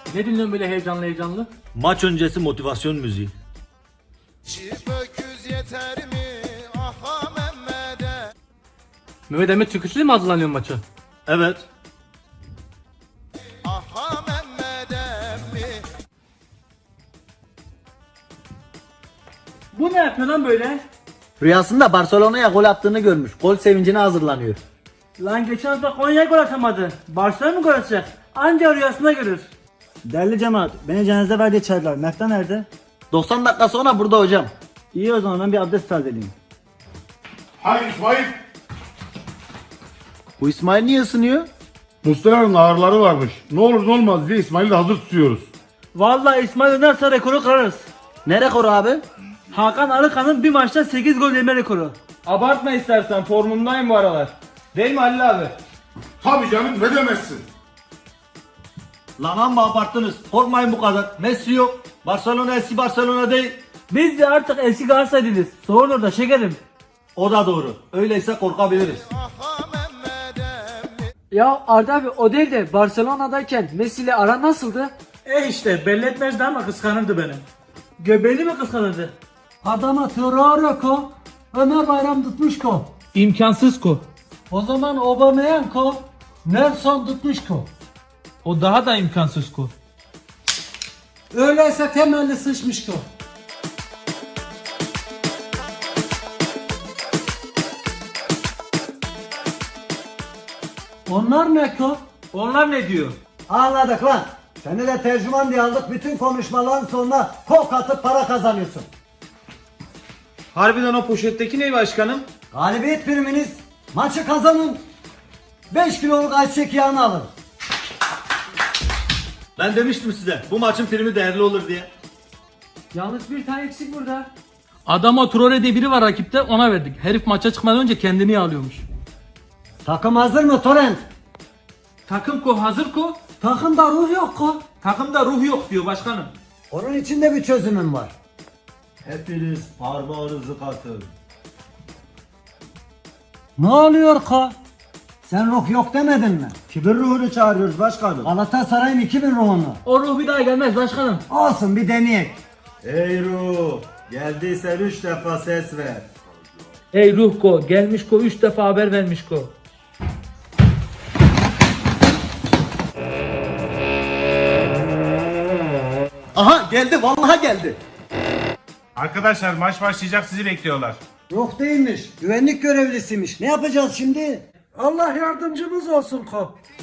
Ne dinliyorsun böyle heyecanlı heyecanlı? Maç öncesi motivasyon müziği. Çift öküz yeter mi? Aha Mehmet'e. Mehmet Emre çıkışlı mı hazırlanıyorsun maça? Evet. Aha Mehmet'e mi? Bu ne yapıyor lan böyle? Rüyasında Barcelona'ya gol attığını görmüş. Gol sevincine hazırlanıyor. Lan geçen hafta Konya'ya gol atamadı. Barcelona mı gol atacak? Anca rüyasında görür. Değerli cemaat, beni cenazede verdi içerdiler. Mefta nerede? 90 dakika sonra burada hocam. İyi o zaman ben bir abdest tazeleyeyim. Hayır İsmail. Bu İsmail niye ısınıyor? Mustafa'nın ağrıları varmış. Ne olur ne olmaz diye İsmail'i de hazır tutuyoruz. Vallahi İsmail dönerse rekoru kırarız. Ne rekoru abi? Hakan Arıkan'ın bir maçta 8 gol yeme rekoru. Abartma istersen, formundayım bu aralar. Değil mi Halil abi? Tabii canım, ne demezsin. Lan amma abarttınız. Korkmayın bu kadar. Messi yok. Barcelona eski Barcelona değil. Biz de artık eski Galatasaraylıyız. Sorun orada şekerim. O da doğru. Öyleyse korkabiliriz. Aha Mehmet'e mi? Ya Arda abi o değil de Barcelona'dayken Messi ile ara nasıldı? İşte belli etmezdi ama kıskanırdı beni. Göbeğini mi kıskanırdı? Adama Traore ko, Ömer Bayram tutmuş ko. İmkansız ko. O zaman Aubameyang ko, Nelson tutmuş ko. O daha da imkansız ko. Öyleyse temelli sıçmış ko. Onlar ne ko? Onlar ne diyor? Anladık lan. Seni de tercüman diye aldık. Bütün konuşmaların sonuna kok atıp para kazanıyorsun. Harbiden o poşetteki ne başkanım? Galibiyet priminiz. Maçı kazanın. 5 kiloluk ayçiçek yağını alın. Ben demiştim size. Bu maçın primi değerli olur diye. Yalnız bir tane eksik burada. Adama Traore diye biri var rakipte, ona verdik. Herif maça çıkmadan önce kendini yağlıyormuş. Takım hazır mı Torrent? Takım ko hazır ko. Takımda ruh yok ko. Takımda ruh yok diyor başkanım. Onun için de bir çözümüm var. Hepiniz parmağınızı katın. Ne oluyor ko? Sen ruh yok demedin mi? Kibir ruhunu çağırıyoruz başkanım. Galatasaray'ın 2000 ruhunu. O ruh bir daha gelmez başkanım. Olsun bir deneyek. Ey ruh. Geldiysen 3 defa ses ver. Ey ruh ko, gelmiş ko, 3 defa haber vermiş ko. Aha geldi vallahi geldi. Arkadaşlar maç başlayacak, sizi bekliyorlar. Ruh değilmiş. Güvenlik görevlisiymiş. Ne yapacağız şimdi? Allah yardımcımız olsun ko.